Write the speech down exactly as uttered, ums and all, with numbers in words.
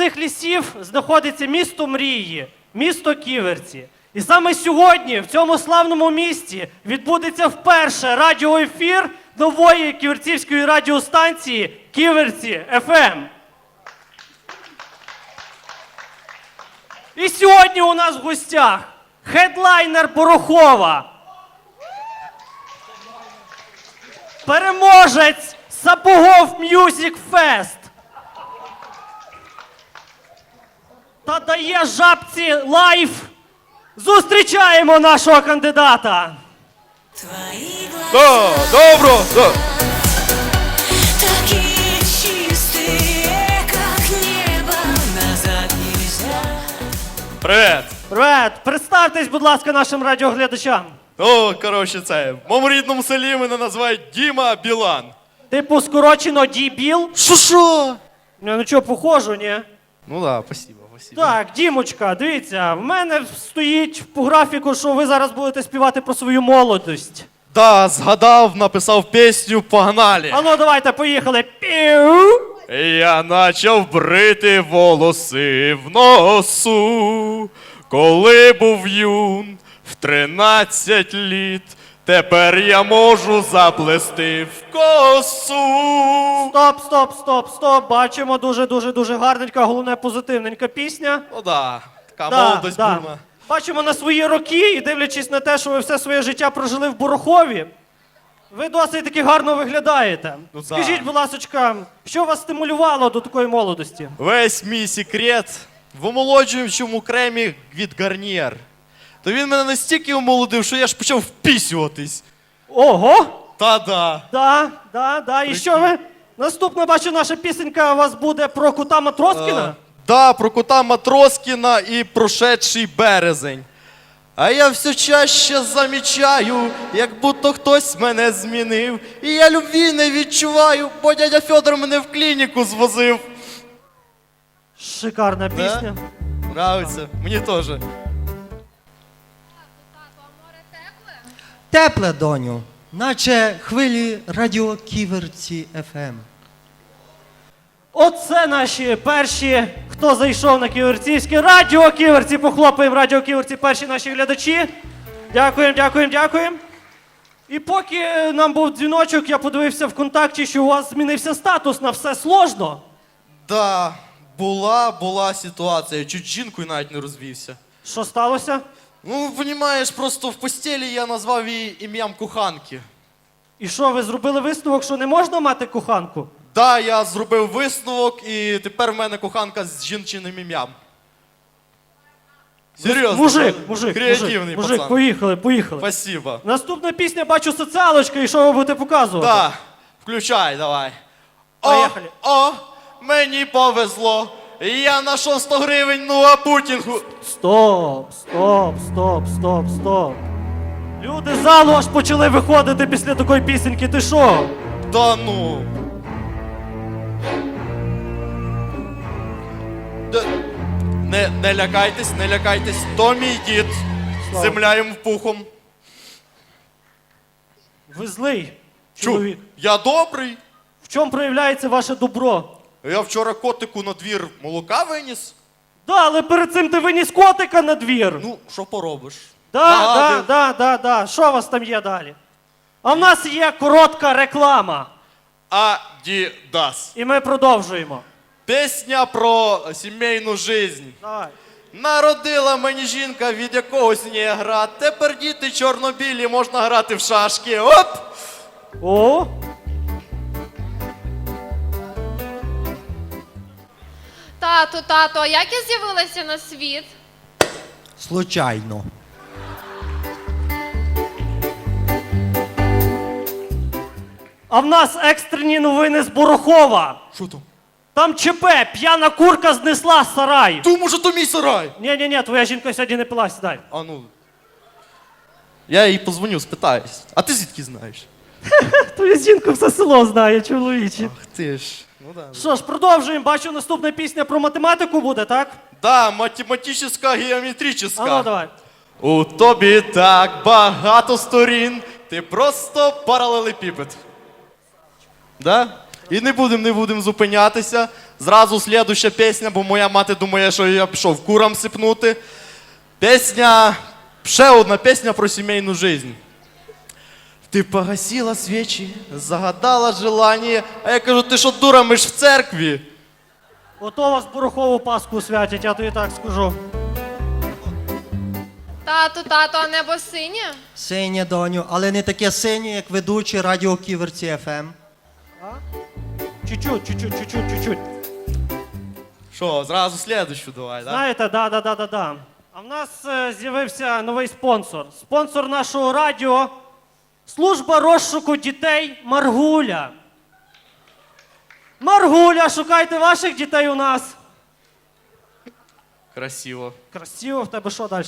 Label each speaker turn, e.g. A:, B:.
A: цих лісів знаходиться місто мрії, місто Ківерці. І саме сьогодні в цьому славному місті відбудеться вперше радіоефір нової ківерцівської радіостанції Ківерці еф ем. І сьогодні у нас в гостях хедлайнер Порохова, переможець Сапогов М'юзік Фест та дає жабці лайф. Зустрічаємо нашого кандидата.
B: Да, добро, да.
C: Такие чистые, как небо, назад нельзя.
B: Привет.
A: Привет! Представтесь, будь ласка, нашим радіоглядачам.
B: О, коротше, це, в моєму рідному селі мене називають Діма Білан.
A: Типу скорочено Ді-Біл?
B: Шо-шо?
A: Ну, ну чого, похожу, ні?
B: Ну да, спасибо, спасибо.
A: Так, Дімочка, дивіться, в мене стоїть по графіку, що ви зараз будете співати про свою молодость.
B: Да, згадав, написав пісню, погнали.
A: А ну, давайте, поїхали. Піу!
B: Я почав брити волоси в носу, коли був юн в тринадцять літ. Тепер я можу заплести в косу.
A: Стоп, стоп, стоп, стоп. Бачимо, дуже-дуже-дуже гарненька, головне позитивненька пісня.
B: Ну да, така
A: Да,
B: молодость
A: да.
B: бурна.
A: Бачимо на свої роки і дивлячись на те, що ви все своє життя прожили в Порохові, ви досить таки гарно виглядаєте.
B: Ну, да.
A: Скажіть, будь ласка, що вас стимулювало до такої молодості?
B: Весь мій секрет в омолоджуючому кремі від Гарнієр. То він мене настільки омолодив, що я ж почав впісюватись.
A: Ого!
B: Та-да.
A: Да, да, да. І що ви? Наступна, бачу, наша пісенька у вас буде про кота Матроскіна.
B: Е, Да, про кота Матроскіна і прошедший березень. А я все чаще замічаю, як будто хтось мене змінив. І я любві не відчуваю, бо дядя Федор мене в клініку звозив.
A: Шикарна пісня.
B: Нравиться, мені теж.
D: Тепле, доню, наче хвилі радіо Ківерці еф ем.
A: Оце наші перші, хто зайшов на Ківерцівське радіо Ківерці. Похлопаємо радіо Ківерці, перші наші глядачі. Дякуємо, дякуємо, дякуємо. І поки нам був дзвіночок, я подивився в контакті, що у вас змінився статус на все сложно.
B: Да, була, була ситуація, чуть з жінкою навіть не розвівся.
A: Що сталося?
B: Ну, розумієш, просто в постелі я назвав її ім'ям коханки.
A: І що, ви зробили висновок, що не можна мати коханку?
B: Да, я зробив висновок, і тепер в мене коханка з жінчиним ім'ям. Серйозно?
A: Мужик, мужик,
B: Креативний
A: мужик, мужик,
B: пацан.
A: поїхали, поїхали.
B: Спасибо.
A: Наступна пісня, бачу, соціалочка, і що ви будете показувати?
B: Да, включай, давай. О,
A: Поїхали.
B: о, мені повезло. Я знайшов сто гривень, ну а путінгу.
A: Стоп, стоп, стоп, стоп, стоп. Люди з залу аж почали виходити після такої пісеньки, ти що?
B: Да ну. Да. Не, не лякайтесь, не лякайтесь. То мій дід.
A: Слава.
B: Земля йому пухом.
A: Ви злий
B: Чу,
A: чоловік.
B: я добрий.
A: В чому проявляється ваше добро?
B: Я вчора котику на двір молока виніс.
A: Да, але перед цим ти виніс котика на двір.
B: Ну, що поробиш?
A: Да, да,
B: Нагадую.
A: да, да, да. Що у вас там є далі? А в нас є коротка реклама.
B: Адідас.
A: І ми продовжуємо.
B: Пісня про сімейну жизнь.
A: Давай.
B: Народила мені жінка від якогось негра. Тепер діти чорно-білі, можна грати в шашки. Оп!
A: О!
E: Тату, тато, а як я з'явилася на світ?
D: Случайно.
A: А в нас екстрені новини з Порохова.
B: Що там?
A: Там ЧП, п'яна курка знесла сарай.
B: Ту, може, то мій сарай.
A: Ні-ні-ні, твоя жінка сьогодні не пила, сідай.
B: А ну. Я їй позвоню, спитаюсь. А ти звідки знаєш?
A: Твоя жінка все село знає, чоловіче.
B: Ах ти ж. Ну да.
A: Що ж, продовжуємо. Бачу, наступна пісня про математику буде, так?
B: Да, математична,
A: А
B: геометрична.
A: ну, давай.
B: У тобі так багато сторін, ти просто паралелепіпед. Да? І не будемо, не будемо зупинятися. Зразу слідуща пісня, бо моя мати думає, що я пішов курам сипнути. Пісня, ще одна пісня про сімейну життя. Ти погасила свічі, загадала желання, а я кажу, ти що дура, ми ж в церкві.
A: Ото вас порохову паску святять, я тобі так скажу.
E: Тату, тато, а небо синє?
D: Синє, доню, але не таке синє, як ведучий радіо Ківерці еф ем.
A: Чуть-чуть, чуть-чуть, чуть-чуть, чуть-чуть.
B: Що, зразу слідущу давай, так?
A: Знаєте, да, да, да, да, да. А в нас е, з'явився новий спонсор. Спонсор нашого радіо – служба розшуку дітей Маргуля. Маргуля, шукайте ваших дітей у нас.
B: Красиво.
A: Красиво, в тебе що далі